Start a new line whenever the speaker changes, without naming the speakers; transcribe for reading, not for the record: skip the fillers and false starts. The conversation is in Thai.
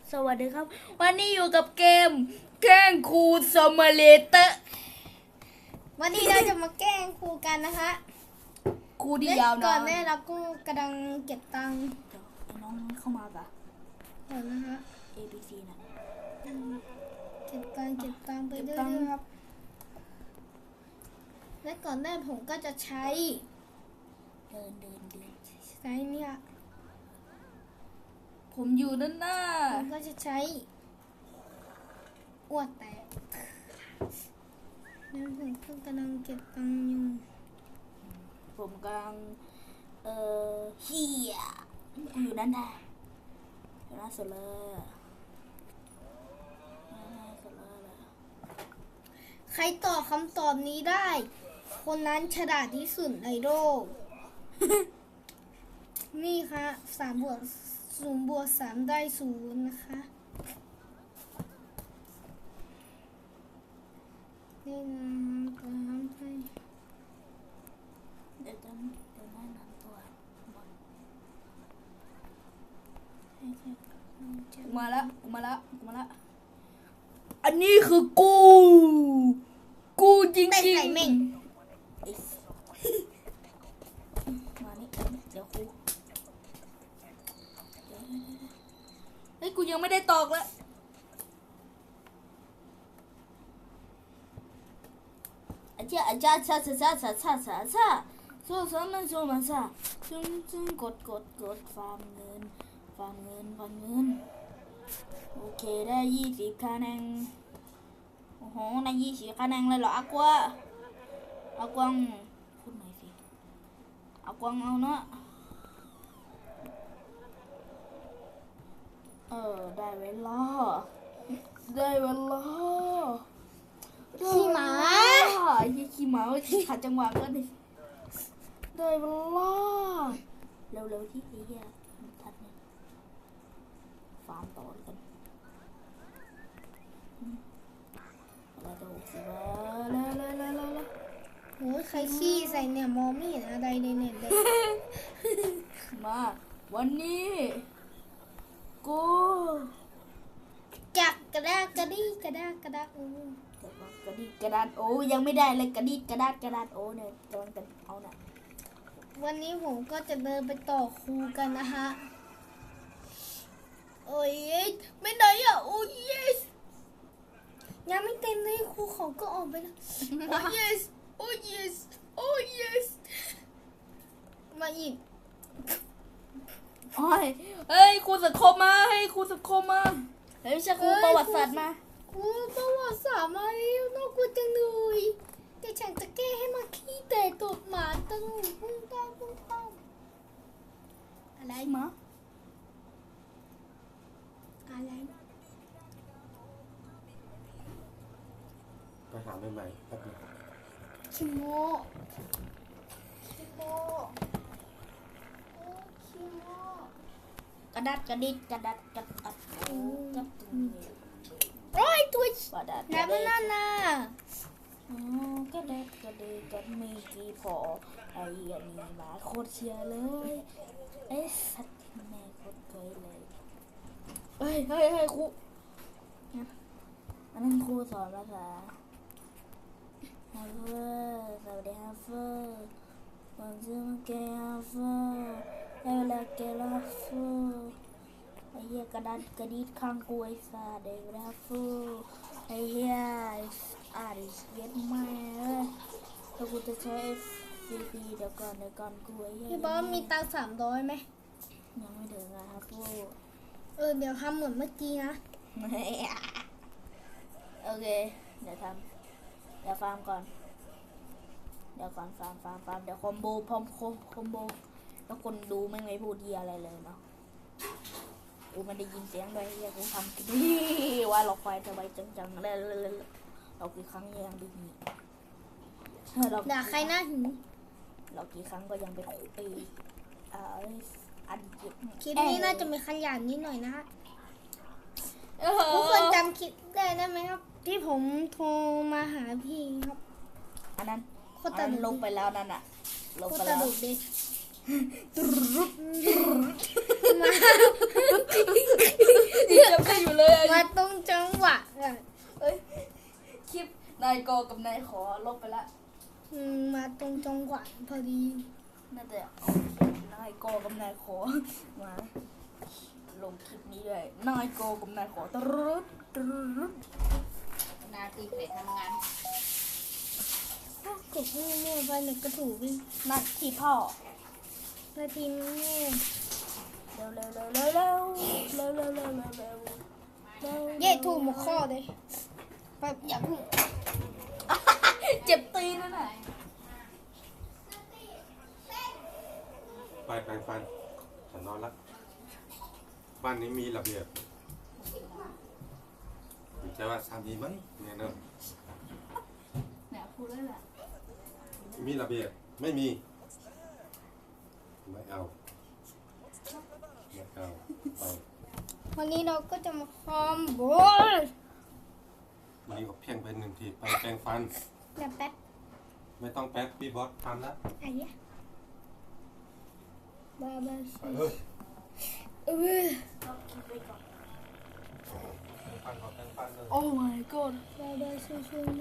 สวัสดีครับวันนี้อยู่กับเกมแกล้งครูสมาเลเตอร์
วันนี้เราจะมาแกล้งครูกันนะคะ
ครูที่ยาวนาน
ก่อนแม่เราก็กำลังเก็บตังค์
เดี๋ยวไอ้น้องเข้ามาปะ
เดี๋ยวนะคะ
A B C นะ
เก็บตังค์ไปเรื่อยๆครับและก่อนแรกผมก็จะใช้
เดิน
ใช้เนี่ย
ผมอยู่ด้านหน้า
ผมก็จะใช้อ้วดแตกแล้วผมก็กำลังเก็บตังค์อยู่
ผมกำลังเฮียอยู่ด้านหน้าอยู่หน้าสุดเลย
ใครตอบคำตอบนี้ได้ คนนั้นฉลาดที่สุดในโลก นี่ค่ะ3+0=3ได้0นะคะนี่นะครับใช่
เดี๋ยวแนะนำตัวมาแล้วอันนี้คือกูจริงๆ
ไก่เม่ง
มานี่เดี๋ยวครูเฮ้ยกูยังไม่ได้ตอกเลยอาจารย์ชาโซ่มันซะซึ่งกดฟาร์มเงินโอเคได้20คะแนนโอ้โหได้20คะแนนเลยเหรออากวางพูดหน่อยสิอากวางเอาเนาะได้เวลา
ขี้หมา
ขี้หมาขัดจังหวะก็ดิได้เวลาเร็วที่ไอ้เหี้ยทัดเนี่ยฟาร์มต่อกันเราจะ60แล้ว
โอ้ยใครขี้ใส่เนี่ยมองไม่เห็นอะไรในเน็ตเลย
มาวันนี้กู
จับกระดาษโอ้
กระดิกกระดาษโอ้ยังไม่ได้เลยกระดิกกระดาษโอ้เนี่ยกำลังจะเอาน่ะ
วันนี้ผมก็จะเดินไปต่อครูกันนะคะโอ้ยไม่ไหนอ่ะโอ้ยยังไม่เต็มเลยครูเขาก็ออกไปแล้วโอ้ยมาอีก
เฮ้ยครูสังคมมาเฮ้ยไม่ใช่ครูประวัติศาสตร์มา
ครูประวัติศาสตร์มาแล้วน่ากลัวจังเลยแต่ฉันจะแก้ให้มาขี้แต่ตบหมาตั้งพุ่งต้อมอะไร
มา
อะไร
ไปหาใหม่ๆแป๊บนึง
คิโม
กระดิก
โอ้ยตัว
น้ำ
นั่นน่ะ
กระดิกมีกี่พอไอ้อันนี้มาโคตรเชียร์เลยไอ้สัตว์แม่โคตรเคยเลยเฮ้ยครูอันนั้นครูสอนภาษาฮาเฟอร์สวัสดีฮาเฟอร์วันซึ่งแกฮาเฟอร์ได้เวลาแกลาเฟอร์ไอ้เหี้ยกระดิกข้างกูไอ้สัตว์ได้เวลาฟูไอ้เหี้ยเย็ดแม่แล้วกูจะใช้FCPเดี๋ยวก่อนกูไอ้เหี้ย
พี่บอสมีตังค์300ไหม
ยังไม่ถึงอะครับฟู
เดี๋ยวทำเหมือนเมื่อกี้นะ
โอเคเดี๋ยวฟาร์มก่อนเดี๋ยวก่อนฟาร์มเดี๋ยวคอมโบพร้อมคอมโบแล้วคนดูไม่พูดเหี้ยอะไรเลยเนาะกูไม่ได้ยินเสียงด้วยเหี้ยกูทำดีว่าเราไฟจะไว้จังเลยเรากี่ครั้งยังดี
ด่าใครหน้าหิว
เรากี่ครั้งก็ยังเป็นครูปีอดีต
คลิปนี้น่าจะมีขยันนิดหน่อยนะฮะทุกคนจำคลิปได้ไหมครับที่ผมโทรมาหาพี่ครับ
อันนั้นลงไปแล้วนั่นอะลงไปแล้ว
มา
ายกอกับนายขอลบไปละ
มาตรงจังหวะพอดี
น่าจะเอานายกอกับนายขอมาลงคลิปนี้ด้วยนายกอกับนายขอตรึดตรึด
นาทีไปทำงาน
กดให้แม่ไปหนึ่งกระถูก
นัดที่พ่อ
นาทีแม่
เร็วเร็วเร็วเร็วเร็วเร็วเร็วเร็วเร็วเร็วเร็ว
เย่ถูกหมดข้อเลยแบบอย่าเพิ่ง
เจ็บตีนนั่นน่ะ
ไปแปรงฟันฉันนอนละบ้านนี้มีระเบียบใช่ว่าสามีไหมเนี่ยเนอะ
เนี่ยพูดแล้วแหละ
มีระเบียบไม่มี ไม่เอาไม่เอาไป
วันนี้เราก็จะมาคอมโบย
วันนี้ก็เพียงเป็นหนึ่งทีไปแปรงฟัน
อย่าแป๊บ
ไม่ต้องแป๊บพี่บอสทำแล้ว
ไอ้เนี้ยบ้าบ้า
ไปเลย
เออ
ก็คิดไว้ก่อน
แปรงฟันขอแปรงฟันเลย
โอ้ my god
บ้าบ้าช่วย